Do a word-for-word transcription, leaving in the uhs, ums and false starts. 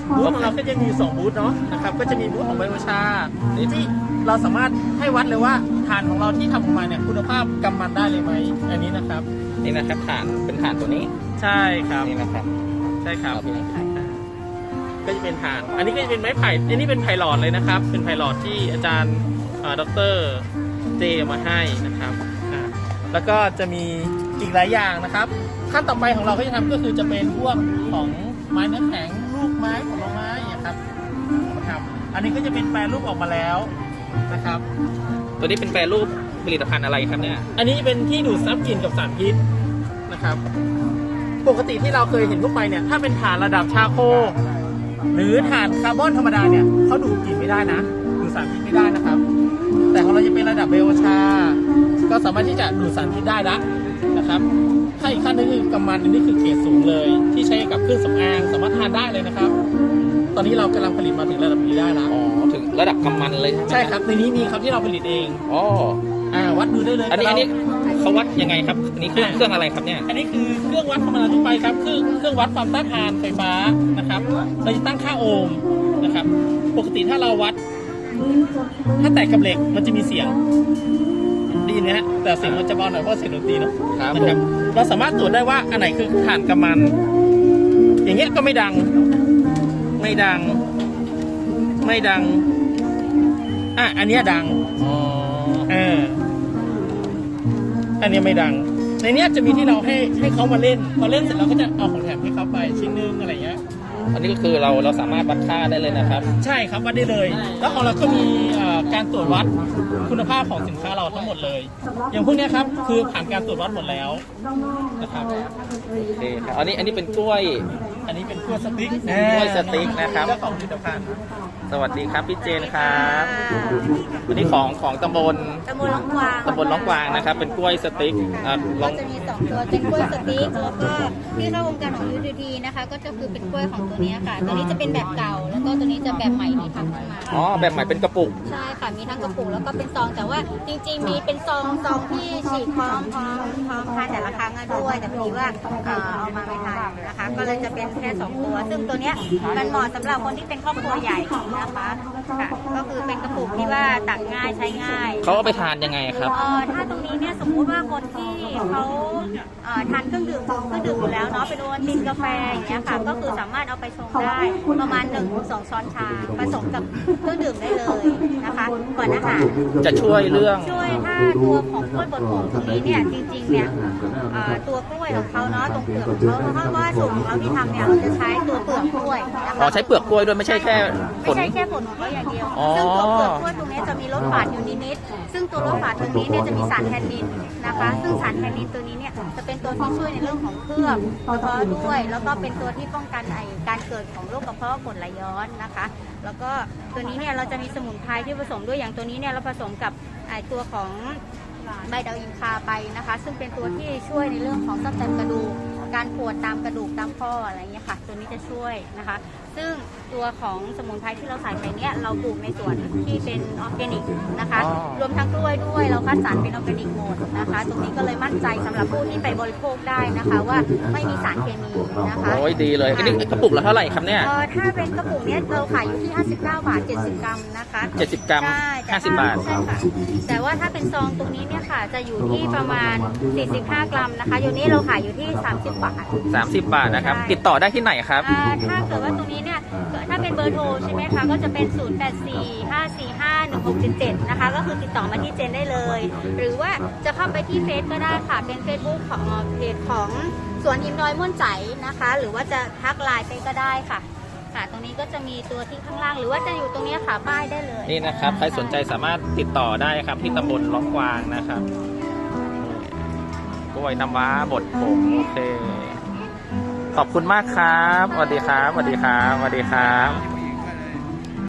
บูธของเราก็จะมีสองบูธเนาะนะครับก็จะมีบูธของไบโอชาที่เราสามารถให้วัดเลยว่าถ่านของเราที่ทำออกมาเนี่ยคุณภาพกำมันได้เลยไหมอันนี้นะครับนี่นะครับถ่านเป็นถ่านตัวนี้ใช่ครับนี่นะครับใช่ครับก็จะเป็นถ่านอันนี้ก็จะเป็นไม้ไผ่อันนี้เป็นไผ่หลอดเลยนะครับเป็นไผ่หลอดที่อาจารย์ดรเจมาให้นะครับแล้วก็จะมีอีกหลายอย่างนะครับขั้นต่อไปของเราก็จะทำก็คือจะเป็นพวกของไม้เนื้อแข็งลูกไม้ผลไม้นะครับครับอันนี้ก็จะเป็นแปรรูปออกมาแล้วนะครับตัวนี้เป็นแปรรูปผลิตภัณฑ์อะไรครับเนี่ยอันนี้เป็นที่ดูดซับกลิ่นกับสารพิษนะครับปกติที่เราเคยเห็นทั่วไปเนี่ยถ้าเป็นถ่านระดับชาโคหรือถ่านคาร์บอนธรรมดาเนี่ยเขาดูดกลิ่นไม่ได้นะดูดสารพิษไม่ได้นะครับแต่ของเราจะเป็นระดับไบโอชาก็สามารถที่จะดูดสารพิษได้ละนะครับถ้าอีกขั้นนึงคือกำมันนี่คือเกรดสูงเลยที่ใช้กับเครื่องสำอางสามารถทานได้เลยนะครับตอนนี้เรากำลังผลิตมาถึงระดับนี้ได้แล้วอ๋อถึงระดับกำมันเลยใช่ครับในนี้มีครับที่เราผลิตเองอ๋ออ่าวัดดูได้เลยอันนี้อันนี้เขาวัดยังไงครับอันนี้เครื่องเครื่องอะไรครับเนี่ยอันนี้คือเครื่องวัดธรรมดาทั่วไปครับคือเครื่องวัดความต้านทานไฟฟ้านะครับเราจะตั้งค่าโอห์มนะครับปกติถ้าเราวัดถ้าแตกกับเหล็กมันจะมีเสียงดีนะฮะแต่เสียงมันจะเบาหน่อยเพราะเสียงดนตรีเนาะนะครับเราสามารถตรวจได้ว่าอันไหนคือถ่านกำมันอย่างเงี้ยก็ไม่ดังไม่ดังไม่ดังอ่ะอันเนี้ยดังอ๋อเอออันนี้ไม่ดังในนี้จะมีที่เราให้ให้เขามาเล่นพอเล่นเสร็จเราก็จะเอาของแถมให้เขาไปชิ้นนึงอะไรเงี้ยอันนี้ก็คือเราเราสามารถวัดค่าได้เลยนะครับใช่ครับวัดได้เลยแล้วของเราก็มีการตรวจวัดคุณภาพของสินค้าเราทั้งหมดเลยอย่างพวกนี้ครับคือผ่านการตรวจวัดหมดแล้วนะครับโอเคครับอันนี้อันนี้เป็นกล้วยอันนี้เป็นกล้วยสติ๊กกล้วยสติ๊กนะครับเจ้าของผลิตภัณฑ์สวัสดีครับพี่เจนครับวันนี้ของของตำบลตำบลล้องกวางตำบลล้องกวางนะครับเป็นกล้วยสติ๊กก็จะมีสองตัวเป็นกล้วยสติ๊กแล้วก็ที่เข้าวงการของยูทีทีนะคะก็จะคือเป็นกล้วยของตัวนี้ค่ะตัวนี้จะเป็นแบบเก่าแล้วก็ตัวนี้จะแบบใหม่ที่ทำขึ้นมาอ๋อแบบใหม่เป็นกระปุกใช่ค่ะมีทั้งกระปุกแล้วก็เป็นซองแต่ว่าจริงๆมีเป็นซองซองที่ฉีกพร้อมพร้อมพร้อมทานแต่ละครั้งด้วยแต่พอดีว่าเอามาไม่ทันนะคะก็เลยจะเป็นแค่สองตัวซึ่งตัวเนี้ยมันเหมาะสำหรับคนที่เป็นครอบครัวใหญ่นะคะก็คือเป็นกระปุกที่ว่าตักง่ายใช้ง่ายเขาเอาไปทานยังไงครับเออถ้าตรงนี้เนี่ยสมมุติว่าคนที่เขาทานเครื่องดื่มเครื่องดื่มอยู่แล้วเนาะเป็นโอวัลตินกาแฟอย่างเงี้ยค่ะก็คือสามารถเอาไปชงได้ประมาณหนึ่งถึงสองช้อนชาผสมกับเครื่องดื่มได้เลยนะคะก่อนอาหารจะช่วยเรื่องช่วยถ้าตัวของกล้วยบดผงตรงนี้เนี่ยจริงๆเนี่ยตัวกล้วยของเขาเนาะตรงเปลือกของเขาเพราะว่าสูตรของเราที่ทำเนี่ยเราจะใช้ตัวเปลือกกล้วยอ๋อใช้เปลือกกล้วยด้วยไม่ใช่แค่ผลไม่ใช่แค่ผลของเขาอย่างเดียวซึ่งตัวเปลือกกล้วยตรงนี้จะมีรสฝาดอยู่นิดๆซึ่งตัวรสฝาดตรงนี้เนี่ยจะมีสารแทนนินนะคะซึ่งสารแทนนินตัวนี้เนี่ยจะเป็นตัวที่ช่วยในเรื่องของเคลือบกระเพาะด้วยแล้วก็เป็นตัวที่ป้องกันไอการเกิดของโรคกระเพาะกรดไหลย้อนนะคะแล้วก็ตัวนี้เนี่ยเราจะมีสมุนไพรที่ผสมด้วยอย่างตัวนี้เนี่ยเราผสมกับไอตัวของใบดาวอินคาไปนะคะซึ่งเป็นตัวที่ช่วยในเรื่องของซ่อมแซมกระดูกการปวดตามกระดูกตามข้ออะไรอย่างเงี้ยค่ะตัวนี้จะช่วยนะคะซึ่งตัวของสมุนไพรที่เราใส่ไปเนี้ยเราปลูกในสวนที่เป็นออร์แกนิกนะคะรวมทั้งกล้วยด้วยเราคัดสรรเป็นออร์แกนิกหมดนะคะตรงนี้ก็เลยมั่นใจสำหรับผู้ที่ไปบริโภคได้นะคะว่าไม่มีสารเคมีนะคะโอ้ยดีเลยอันนี้กระปุกละเท่าไหร่ครับเนี่ยเออถ้าเป็นกระปุกเนี้ยเราขายอยู่ที่ห้าสิบเก้าบาทเจ็ดสิบกรัมนะคะเจ็ดสิบกรัมห้าสิบบาทใช่ค่ะแต่ว่าถ้าเป็นซองตรงนี้เนี่ยค่ะจะอยู่ที่ประมาณสี่สิบห้ากรัมนะคะอยู่นี้เราขายอยู่ที่สามสิบบาทสามสิบบาทนะครับติดต่อได้ที่ไหนครับถ้าเกิดว่าตรงนี้เนี่ยถ้าเป็นเบอร์โทรใช่ไหมคะก็จะเป็นศูนย์ แปด สี่ ห้า สี่ ห้า หนึ่ง หก เจ็ด เจ็ดนะคะก็คือติดต่อมาที่เจนได้เลยหรือว่าจะเข้าไปที่เฟซก็ได้ค่ะเป็น Facebook ของเพจของสวนอิมดอยม่วนใจนะคะหรือว่าจะทักไลน์ไปก็ได้ค่ะค่ะตรงนี้ก็จะมีตัวที่ข้างล่างหรือว่าจะอยู่ตรงนี้ค่ะป้ายได้เลยนี่นะครับใครสนใจสามารถติดต่อได้ครับที่ตำบลล้องกวางนะครับกล้วยน้ำว้าบดผงโอเคขอบคุณมากครับสวัสดีครับสวัสดีครับสวัสดีครับ